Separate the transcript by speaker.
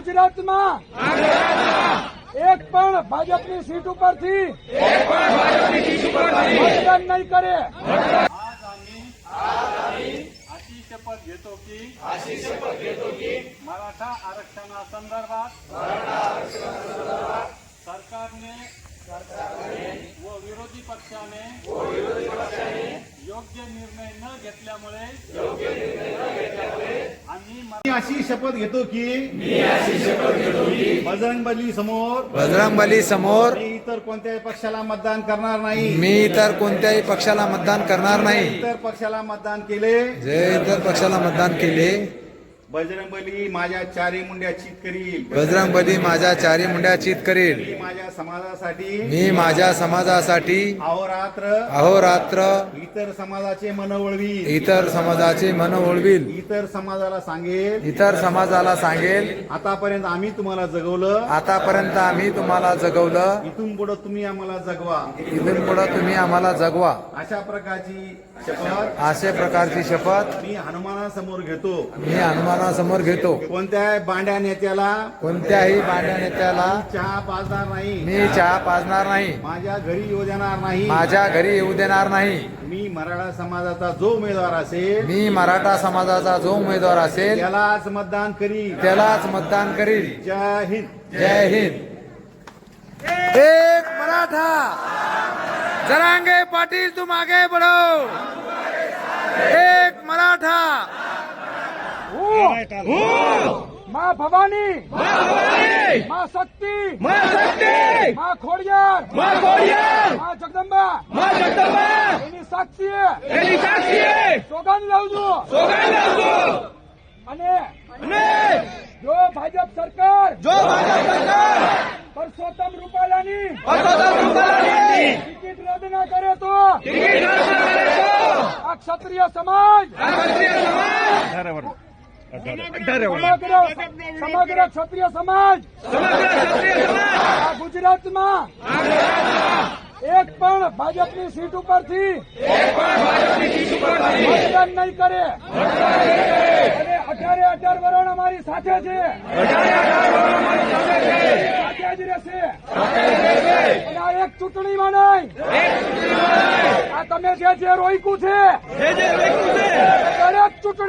Speaker 1: ગુજરાતમાં એક પણ ભાજપની સીટ ઉપરથી મતદાન નહીં કરે.
Speaker 2: अशी शपथ घेतो की मराठा आरक्षणासंदर्भात सरकारने व विरोधी पक्षाने योग्य निर्णय न घेतल्यामुळे आम्ही
Speaker 3: अशी शपथ घेतो की बजरंगबली समोर मी इतर कोणत्याही पक्षाला मतदान करणार नाही. इतर पक्षाला मतदान केले बजरंगबली माझ्या चारी मुंड्या चित करील. मी माझ्या समाजासाठी अहोरात्र इतर समाजाचे मन वळवील. इतर समाजाला सांगेल आतापर्यंत आम्ही तुम्हाला जगवलं. इथून पुढे तुम्ही आम्हाला जगवा. अशा प्रकारची शपथ मी हनुमानासमोर घेतो. कोणत्याही बांड्या नेत्याला चहा पाजणार नाही. माझ्या घरी येऊ देणार नाही. मी मराठा समाजाचा जो उमेदवार असेल त्यालाच मतदान करील. जय हिंद.
Speaker 4: एक मराठा जरांगे पाटील तुम आगे बढ़ो. एक मराठा.
Speaker 1: माँ भवानी, माँ शक्ति, माँ खोडियार, माँ जगदंबा એની સાક્ષીએ સોગંદ લઉં છું. અને જો ભાજપ સરકાર પરસોત્તમ રૂપાલાની ટિકિટ રદ ના કરે તો આ ક્ષત્રિય સમાજ સમગ્ર ક્ષત્રિય સમાજ આ ગુજરાતમાં એક પણ ભાજપની સીટ ઉપરથી મતદાન નહીં કરે. અને 18 વર્ષ અમારી સાથે છે, સાથે જ રહેશે. અને આ એક ચૂંટણીમાં નહીં, આ તમે જે રોક્યું છે